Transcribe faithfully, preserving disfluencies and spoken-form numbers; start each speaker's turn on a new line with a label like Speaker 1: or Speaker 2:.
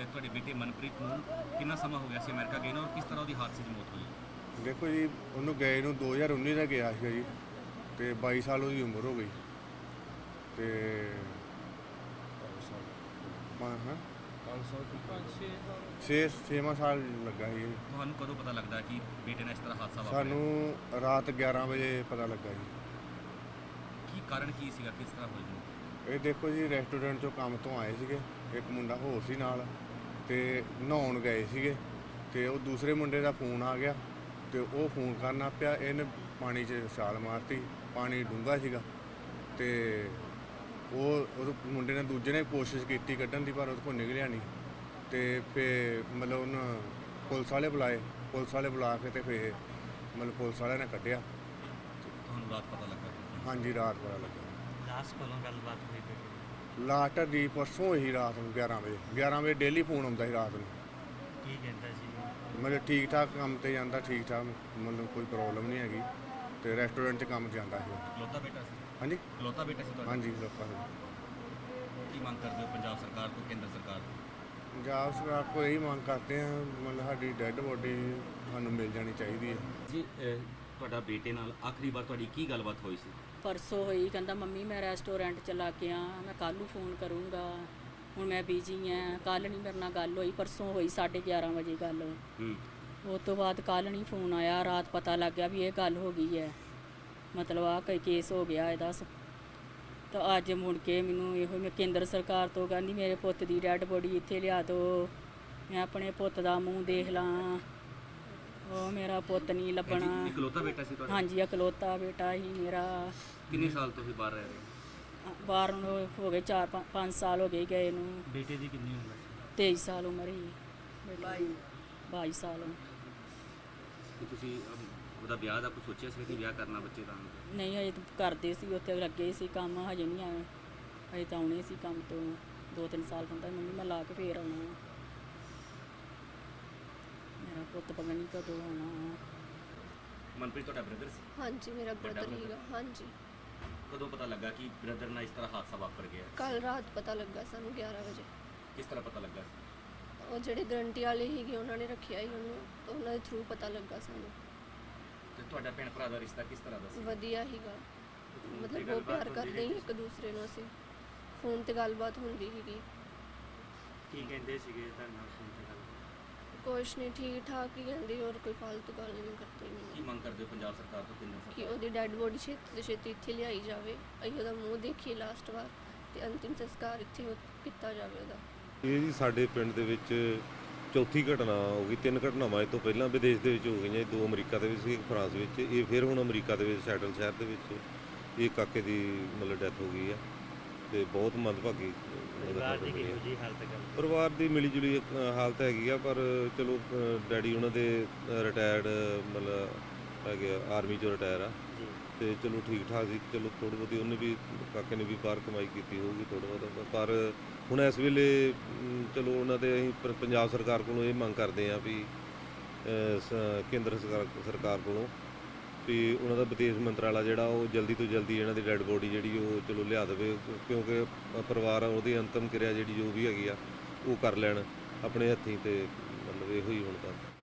Speaker 1: ਤੁਹਾਡੇ ਬੇਟੇ ਮਨਪ੍ਰੀਤ ਨੂੰ ਕਿੰਨਾ ਸਮਾਂ ਹੋ ਗਿਆ ਸੀ ਅਮਰੀਕਾ ਗਏ ਨੂੰ, ਔਰ ਕਿਸ ਤਰ੍ਹਾਂ ਉਹਦੀ ਹਾਦਸੇ 'ਚ ਮੌਤ ਹੋਈ?
Speaker 2: ਦੇਖੋ ਜੀ, ਉਹਨੂੰ ਗਏ ਨੂੰ ਦੋ ਹਜ਼ਾਰ ਉੱਨੀ ਦਾ ਗਿਆ ਸੀਗਾ ਜੀ, ਅਤੇ ਬਾਈ ਸਾਲ ਉਹਦੀ ਉਮਰ ਹੋ ਗਈ। ਅਤੇ ਹਾਂ ਛੇ ਛੇਵਾਂ ਸਾਲ ਲੱਗਾ ਸੀ ਜੀ।
Speaker 1: ਤੁਹਾਨੂੰ ਕਦੋਂ ਪਤਾ ਲੱਗਦਾ ਕਿ ਬੇਟੇ ਨਾਲ ਇਸ ਤਰ੍ਹਾਂ ਹਾਦਸਾ ਵਾਪਰਿਆ?
Speaker 2: ਸਾਨੂੰ ਰਾਤ ਗਿਆਰਾਂ ਵਜੇ ਪਤਾ ਲੱਗਾ ਜੀ।
Speaker 1: ਕੀ ਕਾਰਨ ਕੀ ਸੀਗਾ, ਕਿਸ ਤਰ੍ਹਾਂ ਹੋਈ ਮੌਤ?
Speaker 2: ਇਹ ਦੇਖੋ ਜੀ, ਰੈਸਟੋਰੈਂਟ 'ਚੋਂ ਕੰਮ ਤੋਂ ਆਏ ਸੀਗੇ, ਇੱਕ ਮੁੰਡਾ ਹੋਰ ਸੀ ਨਾਲ, ਅਤੇ ਨਹਾਉਣ ਗਏ ਸੀਗੇ, ਅਤੇ ਉਹ ਦੂਸਰੇ ਮੁੰਡੇ ਦਾ ਫੋਨ ਆ ਗਿਆ, ਅਤੇ ਉਹ ਫੋਨ ਕਰਨਾ ਪਿਆ, ਇਹਨੇ ਪਾਣੀ 'ਚ ਛਾਲ ਮਾਰਤੀ। ਪਾਣੀ ਡੂੰਘਾ ਸੀਗਾ, ਅਤੇ ਉਹ ਉਹ ਮੁੰਡੇ ਨੇ ਦੂਜੇ ਨੇ ਕੋਸ਼ਿਸ਼ ਕੀਤੀ ਕੱਢਣ ਦੀ, ਪਰ ਉਹਦੇ ਕੋਲ ਨਿਕਲਿਆ ਨਹੀਂ। ਅਤੇ ਫਿਰ ਮਤਲਬ ਉਹਨਾਂ ਪੁਲਿਸ ਵਾਲੇ ਬੁਲਾਏ, ਪੁਲਿਸ ਵਾਲੇ ਬੁਲਾ ਕੇ ਅਤੇ ਫਿਰ ਮਤਲਬ ਪੁਲਿਸ ਵਾਲਿਆਂ ਨੇ ਕੱਢਿਆ।
Speaker 1: ਤੁਹਾਨੂੰ ਰਾਤ ਪਤਾ ਲੱਗਾ?
Speaker 2: ਹਾਂਜੀ, ਰਾਤ ਪਤਾ ਲੱਗਾ।
Speaker 1: ਲਾਸਟ ਕੋਲੋਂ ਗੱਲਬਾਤ ਹੋਈ?
Speaker 2: ਲਾਸਟ ਦੀ ਪਰਸੋਂ ਹੋਈ ਰਾਤ ਨੂੰ ਗਿਆਰਾਂ ਵਜੇ। ਗਿਆਰਾਂ ਵਜੇ ਡੇਲੀ ਫੋਨ ਆਉਂਦਾ ਸੀ ਰਾਤ ਨੂੰ।
Speaker 1: ਕੀ ਕਹਿੰਦਾ ਸੀ?
Speaker 2: ਮਤਲਬ ਠੀਕ ਠਾਕ ਕੰਮ 'ਤੇ ਜਾਂਦਾ, ਠੀਕ ਠਾਕ, ਮਤਲਬ ਕੋਈ ਪ੍ਰੋਬਲਮ ਨਹੀਂ ਹੈਗੀ, ਅਤੇ ਰੈਸਟੋਰੈਂਟ 'ਚ ਕੰਮ ਜਾਂਦਾ ਸੀ।
Speaker 1: ਇਕਲੌਤਾ ਬੇਟਾ ਸੀ?
Speaker 2: ਹਾਂਜੀ,
Speaker 1: ਇਕਲੌਤਾ ਬੇਟਾ ਸੀ ਤੁਹਾਡਾ?
Speaker 2: ਹਾਂਜੀ, ਲੋਕਾਂ ਨੂੰ।
Speaker 1: ਕੀ ਮੰਗ ਕਰਦੇ ਹੋ ਪੰਜਾਬ ਸਰਕਾਰ ਤੋਂ, ਕੇਂਦਰ ਸਰਕਾਰ ਤੋਂ?
Speaker 2: ਪੰਜਾਬ ਸਰਕਾਰ ਕੋਲ ਇਹੀ ਮੰਗ ਕਰਦੇ ਹਾਂ, ਮਤਲਬ ਸਾਡੀ ਡੈੱਡ ਬੋਡੀ ਸਾਨੂੰ ਮਿਲ ਜਾਣੀ ਚਾਹੀਦੀ ਹੈ
Speaker 1: ਜੀ। ਤੁਹਾਡਾ ਬੇਟੇ ਨਾਲ ਆਖਰੀ ਵਾਰ ਤੁਹਾਡੀ ਕੀ ਗੱਲਬਾਤ ਹੋਈ ਸੀ?
Speaker 3: ਪਰਸੋਂ ਹੋਈ, ਕਹਿੰਦਾ ਮੰਮੀ ਮੈਂ ਰੈਸਟੋਰੈਂਟ ਚਲਾ ਕੇ ਆ, ਮੈਂ ਕੱਲ੍ਹ ਨੂੰ ਫੋਨ ਕਰੂੰਗਾ, ਹੁਣ ਮੈਂ ਬਿਜੀ ਹਾਂ, ਕੱਲ੍ਹ ਨਹੀਂ ਮੇਰੇ ਨਾਲ ਗੱਲ ਹੋਈ। ਪਰਸੋਂ ਹੋਈ ਸਾਢੇ ਗਿਆਰਾਂ ਵਜੇ ਗੱਲ।
Speaker 1: ਹੂੰ।
Speaker 3: ਉਸ ਤੋਂ ਬਾਅਦ ਕੱਲ੍ਹ ਨਹੀਂ ਫੋਨ ਆਇਆ। ਰਾਤ ਪਤਾ ਲੱਗ ਗਿਆ ਵੀ ਇਹ ਗੱਲ ਹੋ ਗਈ ਹੈ, ਮਤਲਬ ਆਹ ਕੋਈ ਕੇਸ ਹੋ ਗਿਆ ਇਹਦਾ। ਤਾਂ ਅੱਜ ਮੁੜ ਕੇ ਮੈਨੂੰ ਇਹੋ ਮੈਂ ਕੇਂਦਰ ਸਰਕਾਰ ਤੋਂ ਕਹਿੰਦੀ ਮੇਰੇ ਪੁੱਤ ਦੀ ਡੈਡ ਬੋਡੀ ਇੱਥੇ ਲਿਆ ਦਿਓ, ਮੈਂ ਆਪਣੇ ਪੁੱਤ ਦਾ ਮੂੰਹ ਦੇਖ ਲਾਂ। ਉਹ ਮੇਰਾ ਪੁੱਤ ਨਹੀਂ ਲੱਭਣਾ।
Speaker 1: ਇਕਲੌਤਾ ਬੇਟਾ ਸੀ ਤੁਹਾਡਾ?
Speaker 3: ਹਾਂਜੀ, ਇਕਲੌਤਾ ਬੇਟਾ ਹੀ ਮੇਰਾ।
Speaker 1: ਕਿੰਨੇ ਸਾਲ ਤੋਂ ਹੀ ਬਾਹਰ ਰਹਿ ਰਹੇ?
Speaker 3: ਬਾਹਰ ਨੂੰ ਹੋ ਗਏ ਚਾਰ ਪੰਜ ਸਾਲ ਹੋ ਗਏ ਗਏ ਨੂੰ।
Speaker 1: ਬੇਟੇ ਦੀ ਕਿੰਨੀ ਉਮਰ ਸੀ?
Speaker 3: ਤੇਈ ਸਾਲ ਉਮਰ ਹੀ। ਬਾਈ ਬਾਈ ਸਾਲ।
Speaker 1: ਕਿ ਤੁਸੀਂ ਅਮ, ਉਹਦਾ ਵਿਆਹ ਦਾ ਕੁਝ ਸੋਚਿਆ ਸੀ ਕਿ ਵਿਆਹ ਕਰਨਾ ਬੱਚੇ ਦਾ?
Speaker 3: ਨਹੀਂ, ਹਜੇ ਤਾਂ ਕਰਦੇ ਸੀ, ਉੱਥੇ ਲੱਗੇ ਸੀ ਕੰਮ, ਹਜੇ ਨਹੀਂ ਆਏ। ਹਜੇ ਤਾਂ ਆਉਣੇ ਸੀ ਕੰਮ ਤੋਂ ਦੋ ਤਿੰਨ ਸਾਲ। ਕਹਿੰਦਾ ਮੰਮੀ ਮੈਂ ਲਾ ਕੇ ਫੇਰ ਆਉਣਾ, ਮੇਰਾ ਪੁੱਤ ਪਤਾ ਨਹੀਂ ਕਦੋਂ ਆਉਣਾ।
Speaker 1: ਮਨਪ੍ਰੀਤ ਤੁਹਾਡਾ ਬ੍ਰਦਰ ਸੀ?
Speaker 4: ਹਾਂਜੀ, ਮੇਰਾ ਬ੍ਰਦਰ ਹੀਗਾ। ਹਾਂਜੀ।
Speaker 1: ਕਦੋਂ ਪਤਾ ਲੱਗਾ ਕਿ ਬ੍ਰਦਰ ਨਾਲ ਇਸ ਤਰ੍ਹਾਂ ਹਾਦਸਾ ਵਾਪਰ ਗਿਆ?
Speaker 4: ਕੱਲ ਰਾਤ ਪਤਾ ਲੱਗਾ ਸਾਨੂੰ ਗਿਆਰਾਂ ਵਜੇ।
Speaker 1: ਕਿਸ ਤਰ੍ਹਾਂ ਪਤਾ ਲੱਗਾ?
Speaker 4: ਉਹ ਜਿਹੜੇ ਗਰੰਟੀ ਵਾਲੇ ਸੀਗੇ ਉਹਨਾਂ ਨੇ ਰੱਖਿਆ ਹੀ ਉਹਨੂੰ, ਤਾਂ ਉਹਨਾਂ ਦੇ ਥਰੂ ਪਤਾ ਲੱਗਾ ਸਾਨੂੰ।
Speaker 1: ਤੇ ਤੁਹਾਡਾ ਭੈਣ ਭਰਾ ਦਾ ਰਿਸ਼ਤਾ ਕਿਸ ਤਰ੍ਹਾਂ ਦਾ ਸੀ?
Speaker 4: ਵਧੀਆ ਹੀਗਾ, ਮਤਲਬ ਬਹੁਤ ਪਿਆਰ ਕਰਦੇ ਸੀ ਇੱਕ ਦੂਸਰੇ ਨੂੰ। ਅਸੀਂ ਫੋਨ ਤੇ ਗੱਲਬਾਤ ਹੁੰਦੀ ਸੀਗੀ।
Speaker 1: ਕੀ ਕਹਿੰਦੇ ਸੀਗੇ ਤੁਹਾਡੇ ਨਾਲ ਫੋਨ ਤੇ ਗੱਲ?
Speaker 4: ਕੁਛ ਨਹੀਂ, ਠੀਕ ਠਾਕ ਹੀ ਕਹਿੰਦੇ, ਹੋਰ ਕੋਈ ਫालतू ਗੱਲ ਨਹੀਂ ਕਰਦੇ।
Speaker 1: ਕੀ ਮੰਗ ਕਰਦੇ ਹੋ ਪੰਜਾਬ ਸਰਕਾਰ ਤੋਂ, ਕੇਂਦਰ
Speaker 4: ਕਿ
Speaker 1: ਸਰਕਾਰ?
Speaker 4: ਉਹਦੀ ਡੈੱਡ ਬੋਡੀ ਛੇਤੀ ਤੋਂ ਛੇਤੀ ਇੱਥੇ ਲਿਆਈ ਜਾਵੇ, ਅਸੀਂ ਉਹਦਾ ਮੂੰਹ ਦੇਖੀਏ ਲਾਸਟ ਵਾਰ, ਤੇ ਅੰਤਿਮ ਸੰਸਕਾਰ ਇੱਥੇ ਹੋ- ਕੀਤਾ ਜਾਵੇ ਉਹਦਾ।
Speaker 5: ਇਹ ਜੀ ਸਾਡੇ ਪਿੰਡ ਦੇ ਵਿੱਚ ਚੌਥੀ ਘਟਨਾ ਹੋ ਗਈ। ਤਿੰਨ ਘਟਨਾਵਾਂ ਇਹ ਤੋਂ ਪਹਿਲਾਂ ਵਿਦੇਸ਼ ਦੇ ਵਿੱਚ ਹੋ ਗਈਆਂ, ਦੋ ਅਮਰੀਕਾ ਦੇ ਵਿੱਚ ਸੀ, ਇੱਕ ਫਰਾਂਸ ਵਿੱਚ। ਇਹ ਫਿਰ ਹੁਣ ਅਮਰੀਕਾ ਦੇ ਵਿੱਚ ਸੈਟਲ ਸ਼ਹਿਰ ਦੇ ਵਿੱਚ ਇਹ ਕਾਕੇ ਦੀ ਮਤਲਬ ਡੈਥ ਹੋ ਗਈ ਹੈ, ਤੇ ਬਹੁਤ ਮੰਦਭਾਗੀ
Speaker 1: ਪਰਿਵਾਰ ਦੀ ਕਿਹੋ ਜਿਹੀ ਹਾਲਤ ਹੈ?
Speaker 5: ਪਰਿਵਾਰ ਦੀ ਮਿਲੀ ਜੁਲੀ ਅ, ਹਾਲਤ ਹੈਗੀ ਆ, ਪਰ ਚਲੋ ਅ, ਡੈਡੀ ਉਹਨਾਂ ਦੇ ਰਿਟਾਇਰਡ ਮਤਲਬ ਹੈਗੇ ਆਰਮੀ 'ਚੋਂ ਰਿਟਾਇਰ ਆ, ਤੇ ਚਲੋ ਠੀਕ ਠਾਕ ਸੀ। ਚਲੋ ਥੋੜ੍ਹੀ ਬਹੁਤੀ ਉਹਨੇ ਵੀ, ਕਾਕੇ ਨੇ ਵੀ ਬਾਹਰ ਕਮਾਈ ਕੀਤੀ ਹੋਊਗੀ ਥੋੜ੍ਹਾ ਬਹੁਤਾ, ਪਰ ਹੁਣ ਇਸ ਵੇਲੇ ਅਮ, ਚਲੋ ਉਹਨਾਂ ਦੇ ਅਸੀਂ ਪ- ਪੰਜਾਬ ਸਰਕਾਰ ਕੋਲੋਂ ਇਹ ਮੰਗ ਕਰਦੇ ਹਾਂ ਵੀ ਅ, ਸ- ਕੇਂਦਰ ਸਰਕਾਰ ਸਰਕਾਰ ਕੋਲੋਂ ਵੀ ਉਹਨਾਂ ਦਾ ਵਿਦੇਸ਼ ਮੰਤਰਾਲਾ ਜਿਹੜਾ ਉਹ ਜਲਦੀ ਤੋਂ ਜਲਦੀ ਇਹਨਾਂ ਦੀ ਡੈੱਡ ਬੋਡੀ ਜਿਹੜੀ ਉਹ ਚਲੋ ਲਿਆ ਦੇਵੇ, ਕਿਉਂਕਿ ਪਰਿਵਾਰ ਉਹਦੀ ਅੰਤਮ ਕਿਰਿਆ ਜਿਹੜੀ ਜੋ ਵੀ ਹੈਗੀ ਆ ਉਹ ਕਰ ਲੈਣ ਆਪਣੇ ਹੱਥੀਂ, ਤੇ ਮਤਲਬ ਇਹੋ ਹੀ ਹੁਣ ਤਾਂ।